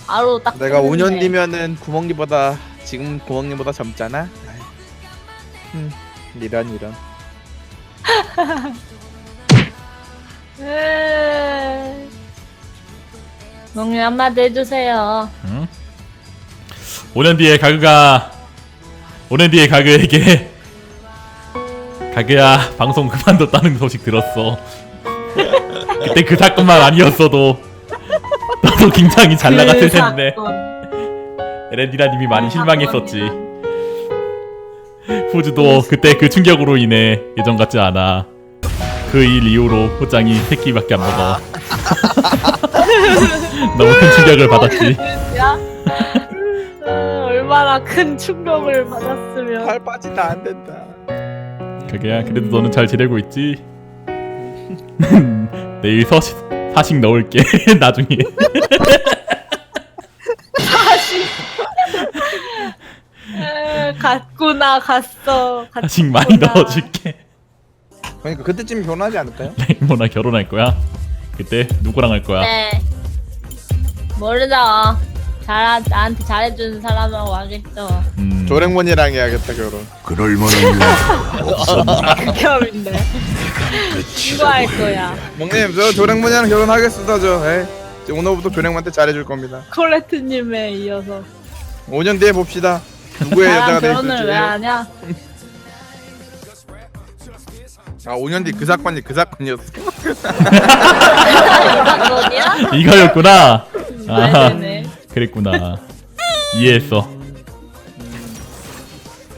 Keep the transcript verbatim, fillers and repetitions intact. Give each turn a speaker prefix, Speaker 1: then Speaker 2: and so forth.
Speaker 1: 바로 딱.
Speaker 2: 내가 오 년
Speaker 1: 뜨는데.
Speaker 2: 뒤면은 구멍니보다 지금 구멍니보다 젊잖아. 음, 이런 이런.
Speaker 1: 에이. 몽유 한마디 해주세요.
Speaker 3: 응? 오 년 뒤에 가그가 오 년 뒤에 가그에게 가그야 방송 그만뒀다는 소식 들었어. 그때 그 사건만 아니었어도 너도 굉장히 잘 나갔을
Speaker 1: 그
Speaker 3: 텐데
Speaker 1: 사건.
Speaker 3: 에렌디라님이 많이
Speaker 1: 그
Speaker 3: 실망했었지.
Speaker 1: 사건이야.
Speaker 3: 후즈도 그때 그 충격으로 인해 예전 같지 않아. 그 일 이후로 호짱이 새끼밖에 안 먹어. 너무 큰 충격을 받았지.
Speaker 1: 야? 어, 얼마나 큰 충격을 받았으면.
Speaker 2: 팔 빠지다 안 된다.
Speaker 3: 그게야 그래도 너는 잘 지내고 있지? 내일 서식 사식 넣을게. 나중에.
Speaker 1: 다시. 에, 갔구나 갔어.
Speaker 3: 사식 많이 넣어줄게.
Speaker 2: 그러니까 그때쯤 결혼하지 않을까요?
Speaker 3: 레이모나 결혼할 거야? 그때 누구랑 할 거야?
Speaker 1: 네. 모르죠. 잘 나한테 잘해주는 사람하고 하겠죠.
Speaker 3: 음,
Speaker 2: 조랭몬이랑 해야겠다 결혼.
Speaker 4: 그럴 만한 일 없었나?
Speaker 1: 극혐인데. 누구 할 거야?
Speaker 2: 멍님 저 조랭몬이랑 결혼하겠습니다 저. 에이, 이제 오늘부터 조랭몬한테 잘해줄 겁니다.
Speaker 1: 콜레트님에 이어서.
Speaker 2: 오 년 뒤에 봅시다. 누구의 여자가
Speaker 1: 나랑
Speaker 2: 될
Speaker 1: 결혼을
Speaker 2: 있을지.
Speaker 1: 왜 하냐?
Speaker 2: 아 오 년 뒤 그 사건이 그 사건이었어.
Speaker 1: 이거냐?
Speaker 3: 이거였구나. 아,
Speaker 1: 네네네.
Speaker 3: 그랬구나. 이해했어.